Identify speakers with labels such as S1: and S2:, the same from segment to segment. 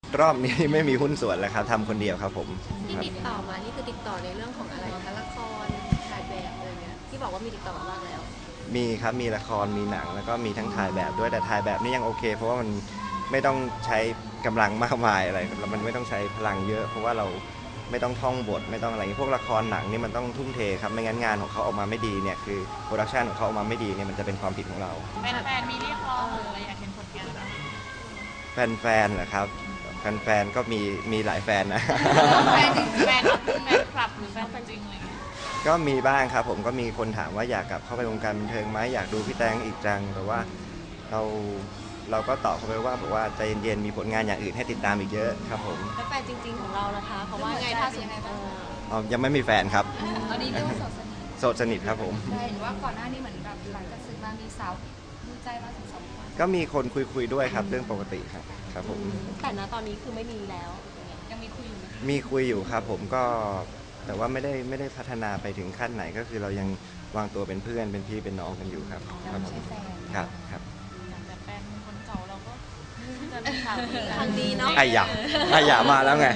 S1: รอบนี้ไม่มีหุ้นส่วนแล้วครับทำคนเดียวครับผม
S2: ที่ติดต่อมานี่คือติดต่อในเรื่องของอะไรคะละครถ่ายแบบอะไรเงี้ยที่บอกว่ามีติดต่อมาบ้างแล้ว
S1: มีครับมีละครมีหนังแล้วก็มีทั้งถ่ายแบบด้วยแต่ถ่ายแบบนี่ยังโอเคเพราะว่ามันไม่ต้องใช้กำลังมากมายอะไรแล้วมันไม่ต้องใช้พลังเยอะเพราะว่าเราไม่ต้องท่องบทไม่ต้องอะไรพวกละครหนังนี่มันต้องทุ่มเทครับไม่งั้นงานของเขาออกมาไม่ดีเนี่ยคือโปรดักชันของเขาออกมาไม่ดีเนี่ยมันจะเป็นความผิดของเรา
S3: แฟนๆมีเรียกร้องหรืออะไรอยากเห็นผลงานเรา
S1: แฟนๆเหรอครับแฟนๆก็มีหลายแฟนนะ
S3: แฟนจริงแฟนคลับหรือแฟนจริงอะไรเงี้ย
S1: ก็มีบ้างครับผมก็มีคนถามว่าอยากกลับเข้าไปวงการบันเทิงไหมอยากดูพี่แตงอีกจังแต่ว่าเราก็ตอบเขาไปว่าบอกว่าใจเย็นๆมีผลงานอย่างอื่นให้ติดตามอีกเยอะครับผม
S2: แล้วแฟนจริงๆของเรานะคะเขาว่าไงถ้าสมมติ
S1: ยังไม่มีแฟนครับ
S4: ตอนนี้เรียกว่า
S1: โสดสนิทครับผม
S4: เห็นว่าก่อนหน้านี้เหมือนแบบหลังจากศึกมามีสาวดูใจมาถึง2 คน
S1: ก็มีคนคุยด้วยครับเรื่องปกติครับผม
S2: แต่ณตอนนี้คือไม่มีแล้ว
S4: ยังมีคุยอยู่ไหม
S1: มีคุยอยู่ครับผมก็แต่ว่าไม่ได้พัฒนาไปถึงขั้นไหนก็คือเรายังวางตัวเป็นเพื่อนเป็นพี่เป็นน้องกันอยู่ครับ
S4: ครับผม
S1: ครับ
S3: แต่แฟนคนเก่าเราก็จะมีข่าว
S2: ทางดีเนาะ
S1: ไอ้หยามาแล้วไง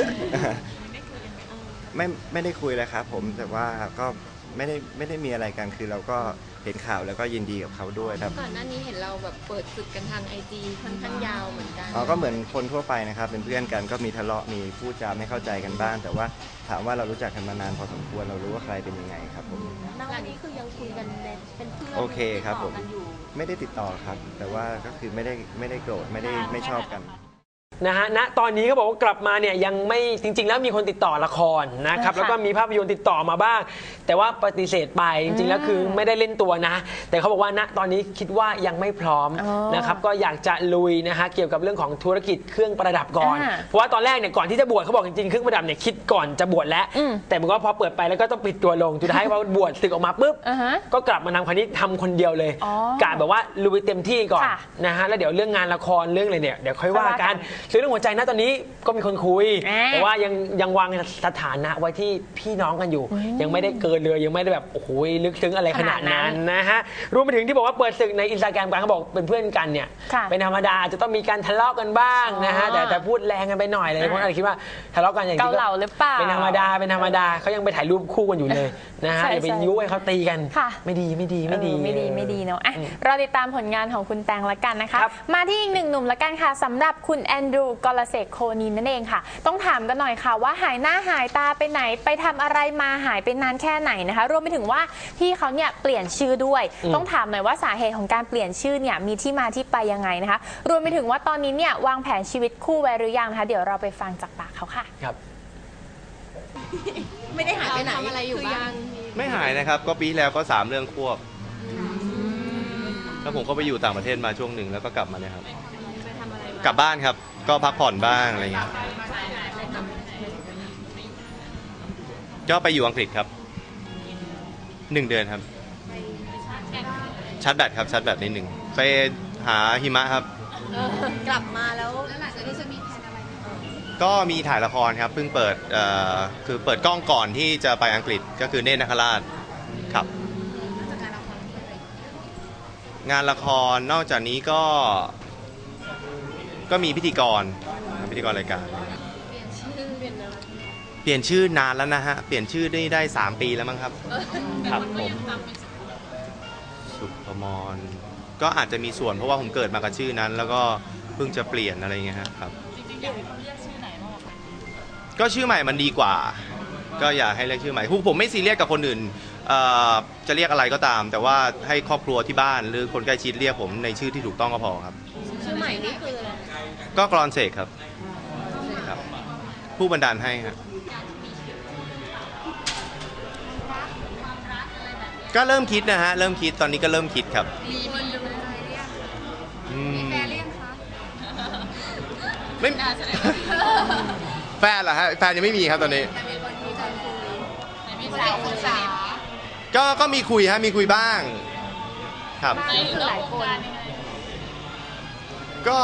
S1: ไม่ได้คุยเลยครับผมแต่ว่าก็ไม่ได้มีอะไรกันคือเราก็เห็นข่าวแล้วก็ยินดีกับเขาด้วยครับ
S2: ก่อนหน้านี้เห็นเราแบบเปิดศึกกันทาง IG ค่อนข้างยาวเหมือนกัน
S1: ก็เหมือนคนทั่วไปนะครับเป็นเพื่อนกันก็มีทะเลาะมีพูดจาไม่เข้าใจกันบ้างแต่ว่าถามว่าเรารู้จักกันมานานพอสมควรเรารู้ว่าใครเป็นยังไงครับผม
S2: ณวันนี้คือยังคุยกันเป็นเพื่อน
S1: โอเคครับผมไม่ได้ติดต่อครับแต่ว่าก็คือไม่ได้โกรธไม่ชอบกัน
S5: นะฮะณตอนนี้เขาบอกว่ากลับมาเนี่ยยังไม่จริงๆแล้วมีคนติดต่อละครนะครับแล้วก็มีภาพยนตร์ติดต่อมาบ้างแต่ว่าปฏิเสธไปจริงๆแล้วคือไม่ได้เล่นตัวนะแต่เขาบอกว่าณตอนนี้คิดว่ายังไม่พร้อมนะครับก็อยากจะลุยนะฮะเกี่ยวกับเรื่องของธุรกิจเครื่องประดับก่อนเพราะว่าตอนแรกเนี่ยก่อนที่จะบวชเขาบอกจริงๆเครื่องประดับเนี่ยคิดก่อนจะบวชแล้วแต่มันก็พอเปิดไปแล้วก็ต้องปิดตัวลงสุดท้ายพอบวชศึกออกมาปุ๊บก็กลับมานำคราวนี้ทำคนเดียวเลยกะแบบว่าลุยเต็มที่ก่อนนะฮะแล้วเดี๋ยวเรื่องงานละครเรื่องอะไรเนี่ยเดี๋ยวค่อยว่ากันเรื่องหัวใจนะตอนนี้ก็มีคนคุยแต่ว่ายังวางสถานะไว้ที่พี่น้องกันอยู่ยังไม่ได้เกินเลยยังไม่ได้แบบโอ้โหลึกซึ้งอะไรขนาดนั้นนะฮะรวมไปถึงที่บอกว่าเปิดศึกในอินสตาแกรมกันเขาบอกเป็นเพื่อนกันเนี่ยเป็นธรรมดาจะต้องมีการทะเลาะกันบ้างนะฮะแต่พูดแรงกันไปหน่อยเลยคนอาจจะคิดว่าทะเลาะกันอย่างนี้
S2: เกาเหลาหรือเปล่า
S5: เป็นธรรมดาเขายังไปถ่ายรูปคู่กันอยู่เลยนะฮะอย่าไปยุให้เขาตีกันไม่ดี
S6: เนาะเราติดตามผลงานของคุณแตงละกันนะคะมาที่อีกหนึ่งหนุ่มละกันค่ะสำหรับคุณแอนดรูกอลเสกโคนินนั่นเองค่ะต้องถามกันหน่อยค่ะว่าหายหน้าหายตาไปไหนไปทำอะไรมาหายไปนานแค่ไหนนะคะรวมไปถึงว่าพี่เขาเนี่ยเปลี่ยนชื่อด้วยต้องถามหน่อยว่าสาเหตุของการเปลี่ยนชื่อเนี่ยมีที่มาที่ไปยังไงนะคะรวมไปถึงว่าตอนนี้เนี่ยวางแผนชีวิตคู่ไว้หรือยังนะคะเดี๋ยวเราไปฟังจากปากเขาค่ะ
S5: ครับ
S2: ไม่ได้หายไปไหนทำอะไรอยู่บ้าง
S7: ไม่หายนะครับก็ปีแล้วก็3 เรื่องควบแล้วผมก็ไปอยู่ต่างประเทศมาช่วงหนึ่งแล้วก็กลับมาเนี่ยครับกลับบ้านครับก็พักผ่อนบ้างอะไรเงี้ยก็ไปอยู่อังกฤษครับ1 เดือนครับชาร์จแบตครับชาร์จแบตนิดหนึ่งไปหาหิมะครับ
S2: กลับมาแล้ว
S4: หลังจากนี้จะมีแผนอะไร
S7: ก็มีถ่ายละครครับเพิ่งเปิดคือเปิดกล้องก่อนที่จะไปอังกฤษก็คือเนตรนาคราชครับงานละครนอกจากนี้ก็มีพิธีกรรายการเปลี่ยนชื่อนานแล้วนะฮะเปลี่ยนชื่อได้3 ปีแล้วมั้งครับครับผมสุภมรก็อาจจะมีส่วนเพราะว่าผมเกิดมากับชื่อนั้นแล้วก็เพิ่งจะเปลี่ยนอะไรเงี้ยครับ
S3: จริงๆอยากให้เขาเรียกชื่อไหนมากกว่า
S7: ก็ชื่อใหม่มันดีกว่าก็อยากให้เรียกชื่อใหม่ผมไม่ซีเรียสกับคนอื่นจะเรียกอะไรก็ตามแต่ว่าให้ครอบครัวที่บ้านหรือคนใกล้ชิดเรียกผมในชื่อที่ถูกต้องก็พอครับ
S2: ชื่อใหม่นี่คืออะไร
S7: ก็กรอนเสกครับผู้บันดาลให้ครับก็เริ่มคิดนะฮะเริ่มคิดตอนนี้ก็เริ่มคิดครับ
S4: มีคนดูอะไรเรียกมีแฟนเรียกคะ
S7: ไม่แฟนเหรอฮะแฟนยังไม่มีครับตอนนี้ก็มีคุยฮะมีคุยบ้างครับ
S2: หลายคน
S7: ก็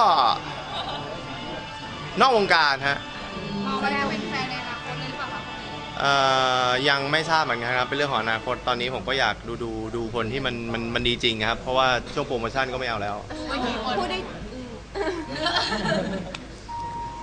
S7: นอกวงการฮะ
S4: ก็ได้เป็นแฟนในอนาคตหรือเปล่า
S7: คะยังไม่ทราบเหมือนกันครับเป็นเรื่องของอนาคตตอนนี้ผมก็อยากดูคนที่มันดีจริงครับเพราะว่าช่วงโปรโมชั่นก็ไม่เอาแล้ว
S2: พูดได้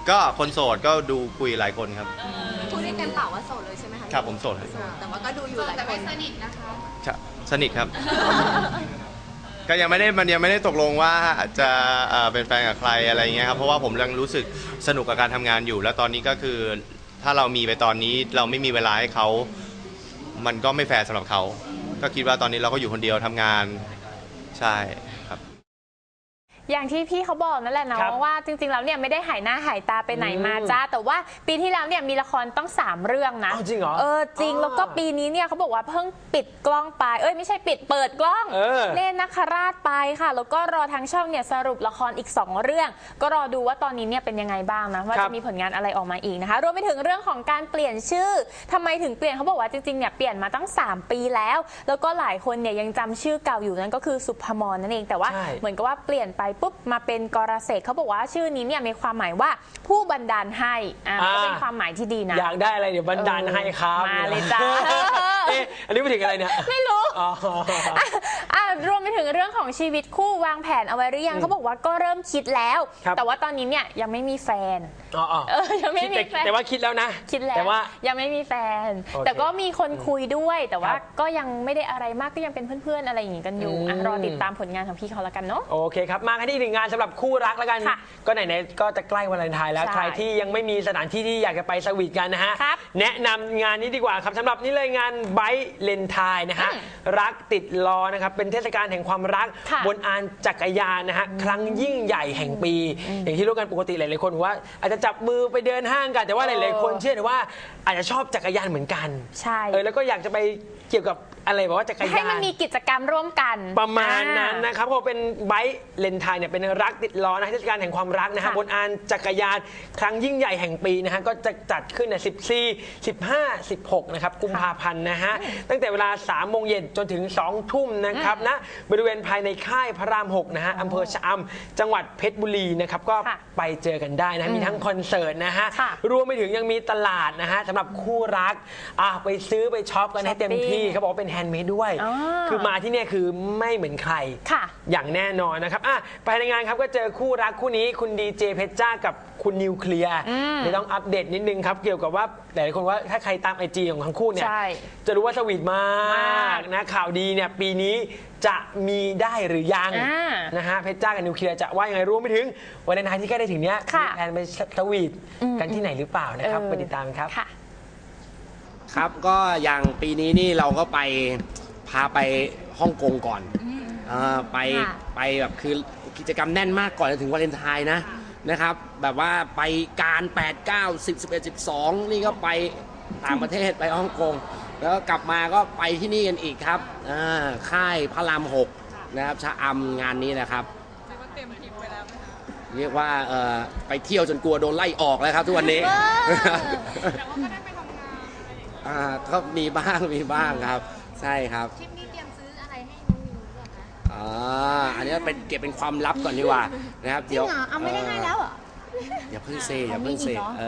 S7: ก็คนโสดก็ดูคุยหลายคนครับ
S2: พูดได้เต็มปากว่าโสดเลยใช่ไหมคะ
S7: ครับผมโสดครับ
S2: โสดแต่ว่าก็ดูอยู่หลาย
S4: แต่
S2: ค
S4: ไม่
S2: น
S4: สนิทนะคะ
S7: สนิทครับ ก็ยังไม่ได้ตกลงว่าจะเป็นแฟนกับใครอะไรเงี้ยครับเพราะว่าผมยังรู้สึกสนุกกับการทำงานอยู่ แล้วตอนนี้ก็คือถ้าเรามีไปตอนนี้เราไม่มีเวลาให้เขามันก็ไม่แฟร์สำหรับเขาก็คิดว่าตอนนี้เราก็อยู่คนเดียวทำงานใช่ครับ
S6: อย่างที่พี่เขาบอกนั่นแหละเนาะ
S5: ครับ
S6: ว่าจริงๆแล้วเนี่ยไม่ได้หายหน้าหายตาไปไหนมาจ้าแต่ว่าปีที่แล้วเนี่ยมีละครต้อง3 เรื่องนะ
S5: อ้าวจริงเหรอ
S6: จริงแล้วก็ปีนี้เนี่ยเขาบอกว่าเพิ่งปิดกล้องไปไม่ใช่เปิดกล้อง เล่นนักคราชไปค่ะแล้วก็รอทางช่องเนี่ยสรุปละครอีก2 เรื่อง ก็รอดูว่าตอนนี้เนี่ยเป็นยังไงบ้างนะว่าจะมีผลงานอะไรออกมาอีกนะคะรวมไปถึงเรื่องของการเปลี่ยนชื่อทำไมถึงเปลี่ยนเขาบอกว่าจริงๆเนี่ยเปลี่ยนมาตั้ง3 ปีแล้วแล้วก็หลายคนเนี่ยยังจำชื่อเก่าอยู่นั่นก็คือสุภมรนั่นเองแต่ว่า
S5: ใช่
S6: เหมือนกับว่าเปลี่ยนไปปุ๊บมาเป็นกรเสกเขาบอกว่าชื่อนี้เนี่ยมีความหมายว่าผู้บันดาลให้ก็เป็นความหมายที่ดีนะ
S5: อยากได้อะไรเดี๋ยวบันดาลให้ครับ
S6: มาเลยจ้า
S5: อันนี้ไปถึงอะไรเนี่ย
S6: ไม่รู้
S5: อ๋อ
S6: รวมไปถึงเรื่องของชีวิตคู่วางแผนเอาไว้หรือยังเขาบอกว่าก็เริ่มคิดแล้ว
S5: ครับ
S6: แต่ว่าตอนนี้เนี่ยยังไม่มีแฟน
S5: อ๋อ
S6: ยังไม่มีแฟน
S5: แต่ว่าคิดแล้วนะ
S6: คิดแล้ว
S5: แต่ว่า
S6: ยังไม่มีแฟน
S5: โอเค
S6: แต่ก็มีคนคุยด้วย แต่ว่า
S5: ครับ
S6: ก็ยังไม่ได้อะไรมากก็ยังเป็นเพื่อนๆอะไรอย่างงี้กันอยู่
S5: อืม
S6: รอติดตามผลงานของพี่เขาแล้วกันเนาะ
S5: โอเคครับมากันที่อีกหนึ่งงานสำหรับคู่รักแล้วกัน
S6: ค่ะ
S5: ก็ไหนๆก็จะใกล้วาเลนไทน์แล้ว
S6: ใช่
S5: ใครที่ยังไม่มีสถานที่ที่อยากจะไปสวีทกันนะฮะ
S6: ครับ
S5: แนะนำงานนี้ดีกว่าครับสำหรับนี่เลยงานไบค์เลนไทน์นะฮะรักติดล้อนะครับเป็นเทศกาลแห่งความรัก
S6: ค่ะ
S5: บนอานจักรยานนะฮะครั้งยิ่งใหญ่แห่งปี อย่างที่รู้กันปกติหลายๆคนบอกว่าอาจจะจับมือไปเดินห้างกันแต่ว่าหลายๆคนเชื่อว่าอาจจะชอบจักรยานเหมือนกัน
S6: ใช่
S5: แล้วก็อยากจะไปเกี่ยวกับอะไรแบบว่าจักรยาน
S6: ให้มันมีกิจกรรมร่วมกัน
S5: ประมาณนั้นนะครับเขาเป็นไบค์เลนไทน์เนี่ยเป็นรักติดล้อนะเทศกาลแห่งความรักนะฮะ
S6: ค่ะ
S5: บนอานจักรยานครั้งยิ่งใหญ่แห่งปีนะฮะก็จะจัดขึ้นใน14 15 16นะครับกุมภาพันธ์นะฮะตั้งแต่เวลา3 โมงเย็นจนถึง2 ทุ่มนะครับนะบริเวณภายในค่ายพระราม 6นะฮะอำเภอชะอำจังหวัดเพชรบุรีนะครับก็
S6: ค่ะ
S5: ไปเจอกันได้นะมีทั้งคอนเสิร์ตนะฮะ
S6: ค่ะ
S5: รวมไปถึงยังมีตลาดนะฮะสำหรับคู่รักไปซื้อไปช็อปกันให้เต็มที่เขาบอกว่าเป็นแฮนด์เมดด้วย
S6: อ๋อ
S5: คือมาที่เนี่ยคือไม่เหมือนใคร
S6: ค่ะ
S5: อย่างแน่นอนนะครับภายในงานครับก็เจอคู่รักคู่นี้คุณดีเจเพชรจ้ากับคุณนิวเคลียร์เดี๋ยวต้องอัปเดตนิดนึงครับ เกี่ยวกับว่าหลายคนว่าถ้าใครตามไอจีของทั้งคู่เนี่ย
S6: ใช่
S5: จะรู้ว่าสวีทมากนะข่าวดีเนี่ยปีนี้จะมีได้หรือยังนะฮะเพชรจ้ากับนิวเคลียร์จะว่ายังไงรวมไปถึงวันเลนไทน์ที่ใกล้ได้ถึงเนี้ย
S6: ค่ะ
S5: มีแผนไปสวีทกันที่ไหนหรือเปล่านะครับไปติดตามกันครับ
S6: ค่ะ
S8: ครับก็อย่างปีนี้นี่เราก็พาไปฮ่องกงก่อนไป
S6: ค่ะ
S8: ไปแบบคือกิจกรรมแน่นมากก่อนจะถึงวาเลนไทน์นะครับแบบว่าไปการ8 9 10 11 12 นี่ก็ไปต่างประเทศไปฮ่องกงแล้วก็กลับมาก็ไปที่นี่กันอีกครับค่ายพระราม 6นะครับชะอำงานนี้นะครับ
S3: เรียกว่าเต็มทริปไปแล้วไหมคะ
S8: เรียกว่าไปเที่ยวจนกลัวโดนไล่ออกแล้วครับทุกวันนี้
S3: แต่ว่าก็ได้ไปทำงานอะไรอย่างเงี้ย
S8: ก็มีบ้างครับใช่ครับ
S4: ทริปนี้เตรียมซื้ออะไรให้น้องนิวหรือเปล่าคะ
S8: อันนี้เป็นเก็บเป็นความลับก่อนดีกว่านะครับเดี๋ยว
S4: จริงเหรอเอาไม่ได้ให้แล้วเหรอ
S8: อย่าเพิ่งเซอย่าเพิ่งเซ
S4: มีอีกเหรอ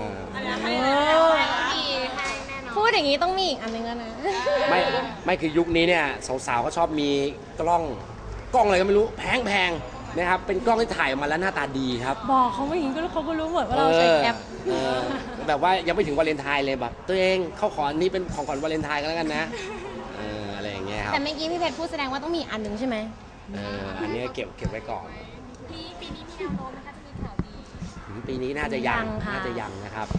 S4: พูดอย่างนี้ต้องมีอีกอันนึงแล้วนะ
S8: ไม่คือยุคนี้เนี่ยสาวๆก็ชอบมีกล้องอะไรก็ไม่รู้แพงนะครับเป็นกล้องที่ถ่ายออกมาแล้วหน้าตาดีครับ
S4: บอกเขาไม่อย่างนี้ก็เขาก็รู้หมดว่าเราใช้แอป
S8: แบบว่ายังไม่ถึงวาเลนไทน์เลยแบบตัวเองเข้าขออันนี้เป็นของขวัญวาเลนไทน์กันแล้วกันนะอะไรอย่างเงี้ยครับ
S4: แต่เมื่อกี้พี่เพชรพูดแสดงว่าต้องมีอันหนึ่งใช่ไหม
S8: อันนี้เก็บไว้ก่อน
S4: ปีนี้มีแนวโน้มนะคะจะมีข่าวดี
S8: ปีนี้น่าจะยัง
S4: ยังค่ะ
S8: น่าจะยังนะครับ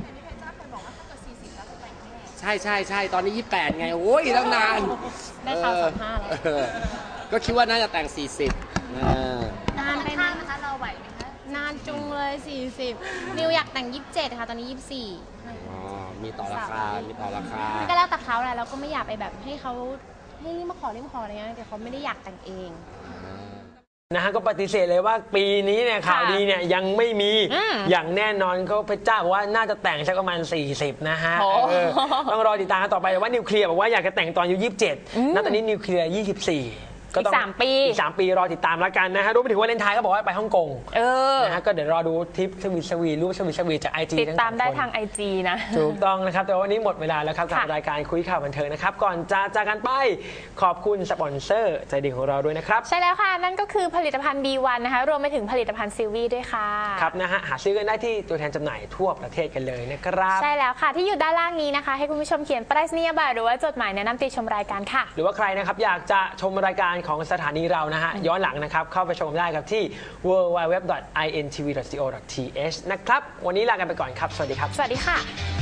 S8: ใช่ตอนนี้ 28 ไง โอ้ยตั้งนาน
S4: ได้ข่าว35แล้ว
S8: ก็คิดว่าน่าจะแต่ง 40
S4: นานไปไหมนะคะเราไหวไหมคะนานจุงเลย 40 นิวอยากแต่ง 27 ค่ะตอนนี้ 24
S8: มีต่อราคา
S4: มันก็แล้วแต่เขาแหละเราก็ไม่อยากไปแบบให้เขาให้รีบมาขออะไรเงี้ยแต่เขาไม่ได้อยากแต่งเอง
S5: นะฮะก็ปฏิเสธเลยว่าปีนี้เนี่ยข่าวดีเนี่ยยังไม่มีอย่างแน่นอนเขาเพชรจ้าบอกว่าน่าจะแต่งสักประมาณ 40 นะฮะต้องรอติดตามกันต่อไปแต่ว่านิวเคลียร์บอกว่าอยากจะแต่งตอนอายุ 27 ณ ตอนนี้นิวเคลียร์ 24 ก็ต้อง
S6: อีก3 ปี
S5: อีก3 ปีรอติดตามแล้วกันนะฮะรวมไปถึงวาเลนไทน์ก็บอกว่าไปฮ่องกง นะฮะก็เดี๋ยวรอดูทริปสวีรูปสวีจาก IG
S6: ติดตามได้ทาง IG นะ
S5: ถูกต้องนะครับ แต่วันนี้หมดเวลาแล้วครับกับ
S6: ค่ะ
S5: รายการคุยข่าวบันเทิงนะครับ ก่อนจะจากกันไปขอบคุณสปอนเซอร์ใจดีของเราด้วยนะครับ
S6: ใช่แล้วค่ะ นั่นก็คือผลิตภัณฑ์ B1 นะคะ รวมไปถึงผลิตภัณฑ์ซิลวี่ด้วยค่ะ
S5: ครับนะฮะหาซื้อกันได้ที่ตัวแทนจำหน่ายทั่วประเทศกันเลยนะครับ
S6: ใช่แล้วค่ะ ที่อยู่ด้านล่างนี้นะคะ ให้คุณผู้ชมเขียนไปรษณียบัตรหรือว่าจดหมายแนะนำติชมรายการค่ะ
S5: หรือว่าใครนะครับอยากจะชมรายการของสถานีเรานะฮะย้อนหลังนะครับเข้าไปชมได้ครับที่ www.intv.co.th นะครับวันนี้ลากันไปก่อนครับสวัสดีครับ
S6: สวัสดีค่ะ